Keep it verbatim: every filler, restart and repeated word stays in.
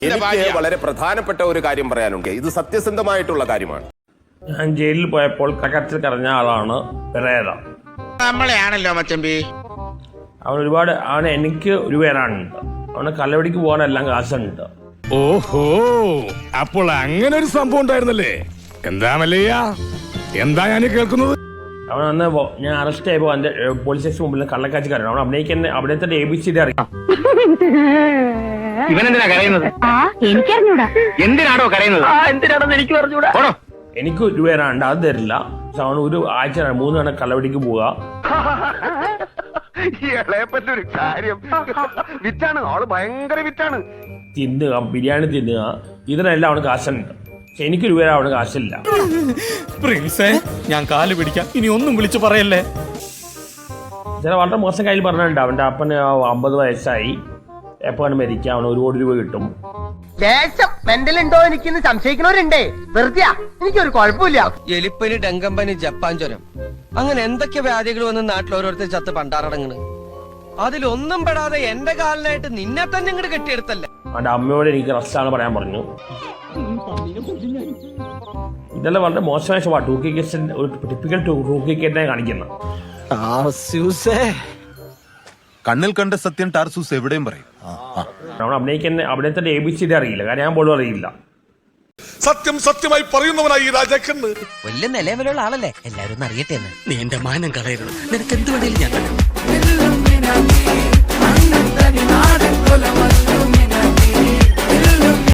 എനിക്ക് വളരെ പ്രധാനപ്പെട്ട ഒരു കാര്യം പറയാനുണ്ട്. ഇത് സത്യസന്ധമായിട്ടുള്ള കാര്യമാണ്. ഞാൻ ജയിലിൽ പോയപ്പോൾ കകത്തിൽ കറഞ്ഞ ആളാണ് പെരേര. നമ്മളെയാണല്ലോ മച്ചമ്പി. അവൻ ഒരുപാട് അവന് എനിക്ക് ഒരു പേരാണുണ്ട്. അവന് കലവടിക്ക് പോകാനെല്ലാം കാശുണ്ട്. ഓഹോ, അപ്പോൾ അങ്ങനെ ഒരു സംഭവം ഉണ്ടായിരുന്നല്ലേ? എന്താ മല്ലയ്യ, എന്താ ഞാൻ കേൾക്കുന്നത്? അവൻ അന്ന് ഞാൻ അറസ്റ്റ് ആയപ്പോ എന്റെ പോലീസ് സ്റ്റേഷൻ മുമ്പിൽ കള്ളക്കാച്ചിക്കാരൻ. അവൻ അഭിനയിക്കാൻ അവിടത്തെ എ ബി സി ഡി അറിയാം. ഇവനെന്തിനാ കരയുന്നത്? എനിക്കറിഞ്ഞൂടാ. എന്തിനാണോ കരയുന്നത്? എന്തിനാണെന്ന് എനിക്ക് പറഞ്ഞൂടാ. എനിക്ക് ഒരു പേരാണ്ട് അത് തരില്ല. പക്ഷെ അവൻ ഒരു ആഴ്ച മൂന്ന് തവണ കള്ളവടിക്ക് പോവുക. ഇളയപ്പറ്റൊരു കാര്യം വിറ്റാണ്, ആള് ഭയങ്കര വിറ്റാണ്. തിന്നുക, ബിരിയാണി തിന്നുക, ഇതിനെല്ലാം അവന് കാശുണ്ട്. പക്ഷെ എനിക്കൊരു പേര് അവന് കാശില്ല. പ്രിൻസേ, ഞാൻ കാല് പിടിക്കാം, ഇനി ഒന്നും വിളിച്ചു പറയല്ലേ. ചില വളരെ മോശം കയ്യിൽ പറഞ്ഞിട്ടുണ്ട്. അവന്റെ അപ്പന് അമ്പത് വയസ്സായി, എപ്പോഴാണ് മരിക്കുക, അവന് ഒരു കോടി രൂപ കിട്ടും. ലേശം മെന്റലുണ്ടോ എനിക്കിന്ന് സംശയിക്കുന്നവരുണ്ടേ. വെറുതെ എനിക്കൊരു കുഴപ്പമില്ല. എലിപ്പനി, ഡെങ്കമ്പനി, ജപ്പാൻ ജ്വരം, അങ്ങനെ എന്തൊക്കെ വ്യാധികൾ വന്ന് നാട്ടിൽ ഓരോരുത്തർ ചത്ത് പണ്ടാറടങ്ങണ്. അതിലൊന്നും പെടാതെ എന്റെ കാലിനായിട്ട് നിന്നെ തന്നെ ഇങ്ങോട്ട് കെട്ടിയെടുത്തല്ലേ. അവന്റെ അമ്മയോട് എനിക്ക് റസ്റ്റാണ് പറയാൻ പറഞ്ഞു. ഇതെല്ലാം വളരെ മോശമായ സ്വഭാവം. ടൂ കെ കേസ് ഒരു ടിപ്പിക്കൽ ടൂ കെ കേസിനെ കാണിക്കുന്ന. കണ്ണിൽ കണ്ട സത്യം ടാർസൂസ് എവിടെയും പറയും. നമ്മൾ അഭിനയിക്കാൻ അവിടത്തെ എ ബി സി ഡി അറിയില്ല. കാര്യം ഞാൻ പോലും അറിയില്ല. സത്യം സത്യമായി പറയുന്നവനായി ഈ രാജാക്കന്ന് വലിയ നിലവിലുള്ള ആളല്ലേ, എല്ലാരും ഒന്ന് അറിയട്ടെ എന്ന്. നീ എന്റെ മാനം കളയരുത്, നിനക്ക് എന്ത് വേണേലും ഞാൻ തരാം.